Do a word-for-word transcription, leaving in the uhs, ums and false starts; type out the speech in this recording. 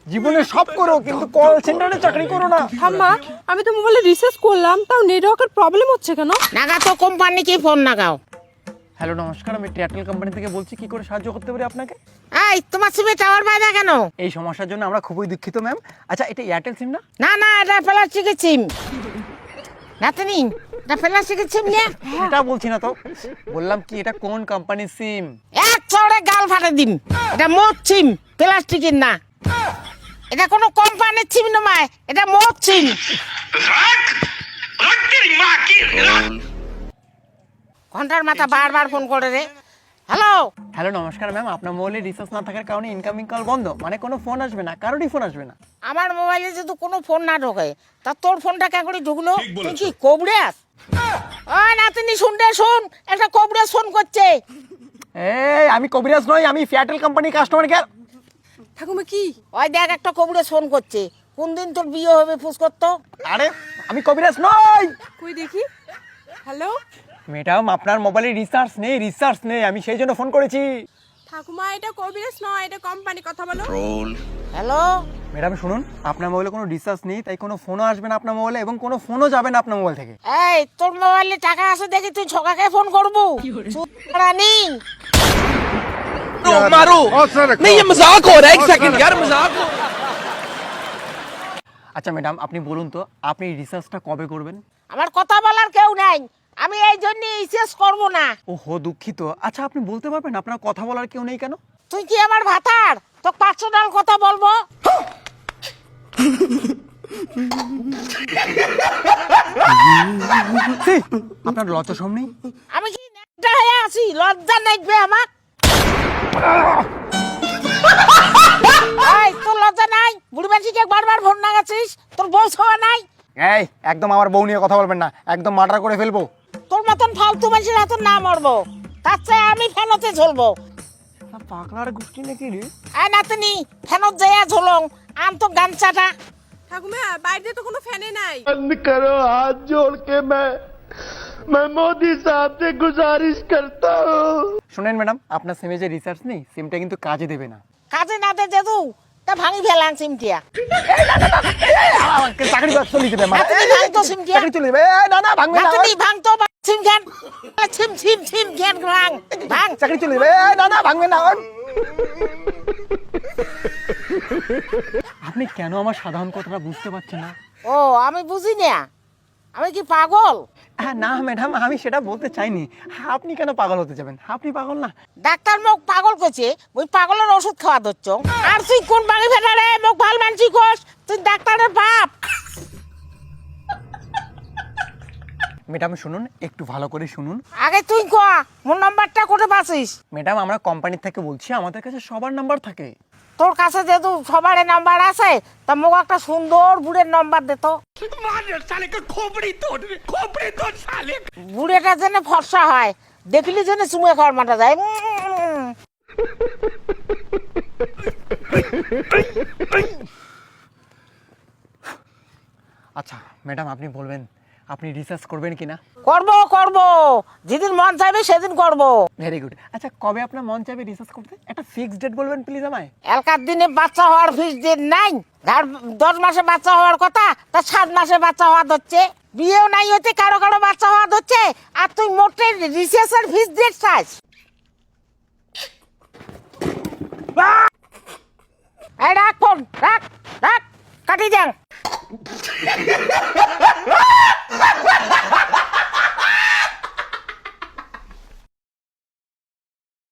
জীবনে সব করো কিন্তু কল সেন্টারে চাকরি করো না। ঠাম্মা, আমি তো মোবাইলে রিসার্চ করলাম, তাও নেটওয়ার্কের প্রবলেম হচ্ছে কেন? নাগা তো কোম্পানিকে ফোন লাগাও। হ্যালো নমস্কার, আমি এয়ারটেল কোম্পানি থেকে বলছি, কি করে সাহায্য করতে পারি আপনাকে? এই তোমার সিমে টাওয়ার পায় না কেন? এই সমস্যার জন্য আমরা খুবই দুঃখিত ম্যাম। আচ্ছা, এটা এয়ারটেল সিম না? না না, এটা প্লাস্টিকের সিম। নাতনি, এটা প্লাস্টিকের সিম না? এটা বলছি না তো, বললাম কি এটা কোন কোম্পানির সিম? এক চড়ে গাল ফাটে দিন। এটা মোট সিম, প্লাস্টিকের না। এটা কোনো কোম্পানির সিম নয়, এটা মোট সিম। ঘন্টার মাথা বারবার ফোন করে রে। হ্যালো হ্যালো নমস্কার ম্যাম, আপনার মোবাইলে রিচার্জ না থাকার কারণে ইনকামিং কল বন্ধ, মানে কোনো ফোন আসবে না, কারোরই ফোন আসবে না। আমার মোবাইলে যদি কোনো ফোন না ঢোকে, তা তোর ফোনটা কে করে ঢুকলো? তুই কি কবরেস? ওই নাতনি শুনতে শুন, একটা কবরেস ফোন করছে। এই আমি কবিরাজ নই, আমি এয়ারটেল কোম্পানি কাস্টমার কেয়ার। ঠাকুমা কি? ওই দেখ, একটা কবরেস ফোন করছে। কোন দিন তোর বিয়ে হবে ফুস করতো? আরে আমি কবিরাজ নই। কই দেখি। হ্যালো ম্যাডাম, আপনার মোবাইলে রিচার্জ নেই, রিচার্জ নেই, আমি সেই জন্য ফোন করেছি। ঠাকুমা, এটা কবিরাজ নয়, এটা কোম্পানি, কথা বলো। হ্যালো ম্যাডাম শুনুন, আপনার মোবাইলে কোনো রিচার্জ নেই, তাই কোনো ফোনও আসবে না আপনার মোবাইলে, এবং কোনো ফোনও যাবে না আপনার মোবাইল থেকে। এই, তোর মোবাইলে টাকা আছে দেখি তুই ছকাকে ফোন করবো? রানি मारो नहीं, ये मजाक हो रहा है। एक सेकंड यार, मजाक हो। আচ্ছা ম্যাডাম, আপনি বলুন তো, আপনি রিচার্জটা কবে করবেন? আমার কথা বলার কেউ নাই, আমি এই জন্য রিচার্জ করবো না। ও হো, দুঃখিত। আচ্ছা আপনি বলতে পারবেন আপনার কথা বলার কেউ নেই কেন? তুই কি আমার ভাতার তো পার্সোনাল কথা বলবো? ছি, আপনার লজ্জা শরম নেই? আমি কি নেকটা হয়ে আছি? লজ্জা নেকবে আমার? এই, তোর লজ্জা নাই? বুড়ি মাঝিকে বারবার ফোন লাগাচ্ছিস, তোর বউ ছাওয়া নাই? এই একদম আমার বউ নিয়ে কথা বলবেন না, একদম মার্ডার করে ফেলবো। তোর মতন ফালতু মানুষের হাতে না মরবো, তার চেয়ে আমি ফেনতে ঝুলবো। পাগলার গোষ্ঠী নাকি রে? আয় নাতনি, ফেনত যাইয়া ঝুলং, আম তো গামছাটা। ঠাকুমা, বাইরে তো কোনো ফ্যানে নাই। बंद करो, हाथ जोड़ के मैं मैं मोदी साहब से गुजारिश करता हूँ। শুনেন ম্যাডাম, আপনার সিমে যে রিচার্জ নেই, সিমটা কিন্তু কাজে দেবে না। কাজে না দে যেদু, তা ভাঙি ফেলাম সিমটিয়া। চাকরি বাদ চলে যাবে আমার। নাতনি, ভাঙ তো সিমটিয়া। চাকরি চলে যাবে। এই, না না ভাঙবে না। নাতনি, ভাঙ তো সিম খান। সিম সিম সিম খান ভাঙ ভাঙ। চাকরি চলে যাবে। এই, না না ভাঙবে না। আপনি কেন আমার সাধারণ কথাটা বুঝতে পারছেন না? ও, আমি বুঝি না, আমি কি পাগল? হ্যাঁ, না ম্যাডাম, আমি সেটা বলতে চাইনি। আপনি কেন পাগল হতে যাবেন? আপনি পাগল না। ডাক্তার মোক পাগল করছে, ওই পাগলের ওষুধ খাওয়া ধরছ। আর তুই কোন ভাঙি ফেলা রে? মোক ভাল মানছি কোস, তুই ডাক্তারের বাপ। ম্যাডাম শুনুন, একটু ভালো করে শুনুন। আগে তুই কয়া, মোর নাম্বারটা কোটে পাছিস? ম্যাডাম, আমরা কোম্পানি থেকে বলছি, আমাদের কাছে সবার নাম্বার থাকে। তোর কাছে যেহেতু সবার নাম্বার আছে, তা মোক একটা সুন্দর বুড়ের নাম্বার দে তো। বুড়েটা যেন ফর্সা হয়, দেখলি যেন চুমে খাওয়ার মাঠা যায়। উম। আচ্ছা ম্যাডাম, আপনি বলবেন আপনি রিসার্চ করবেন কিনা? করবো করবো, যেদিন মন চাইবে সেদিন করবো। Very good. আচ্ছা, কবে আপনার মন চাইবে রিসার্চ করতে? একটা ফিক্সড ডেট বলবেন প্লিজ আমায়। এলকার দিনে বাচ্চা হওয়ার ফিস দিন নাই। ধর দশ মাসে বাচ্চা হওয়ার কথা, তা সাত মাসে বাচ্চা হওয়া ধরছে। বিয়েও নাই হচ্ছে, কারো কারো বাচ্চা হওয়া ধরছে, আর তুই মোটে রিসার্চের ফিস দিয়ে চাস। এই রাখ ফোন, রাখ রাখ, কাটি যান।